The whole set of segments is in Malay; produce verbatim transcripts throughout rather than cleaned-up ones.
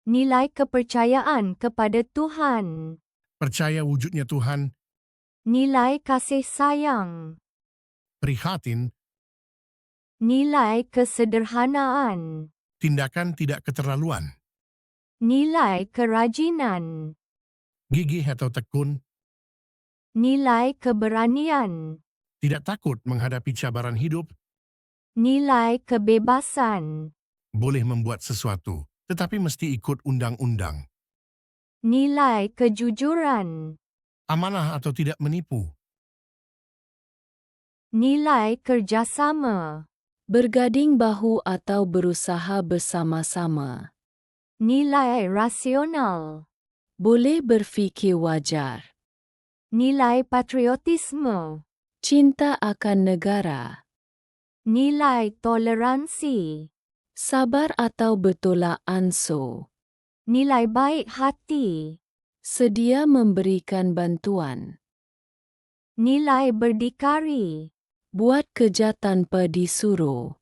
Nilai kepercayaan kepada Tuhan. Percaya wujudnya Tuhan. Nilai kasih sayang. Prihatin. Nilai kesederhanaan. Tindakan tidak keterlaluan. Nilai kerajinan. Gigih atau tekun. Nilai keberanian. Tidak takut menghadapi cabaran hidup. Nilai kebebasan. Boleh membuat sesuatu, tetapi mesti ikut undang-undang. Nilai kejujuran. Amanah atau tidak menipu. Nilai kerjasama. Bergading bahu atau berusaha bersama-sama. Nilai rasional. Boleh berfikir wajar. Nilai patriotisme. Cinta akan negara. Nilai toleransi. Sabar atau bertolak ansur. Nilai baik hati. Sedia memberikan bantuan. Nilai berdikari. Buat kerja tanpa disuruh.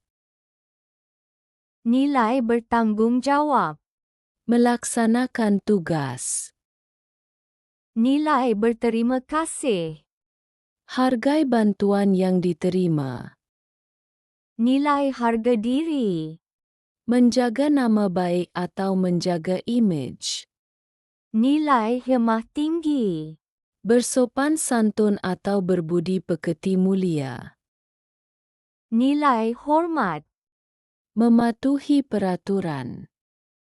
Nilai bertanggungjawab. Melaksanakan tugas. Nilai berterima kasih. Hargai bantuan yang diterima. Nilai harga diri. Menjaga nama baik atau menjaga imej. Nilai hemah tinggi. Bersopan santun atau berbudi pekerti mulia. Nilai hormat. Mematuhi peraturan.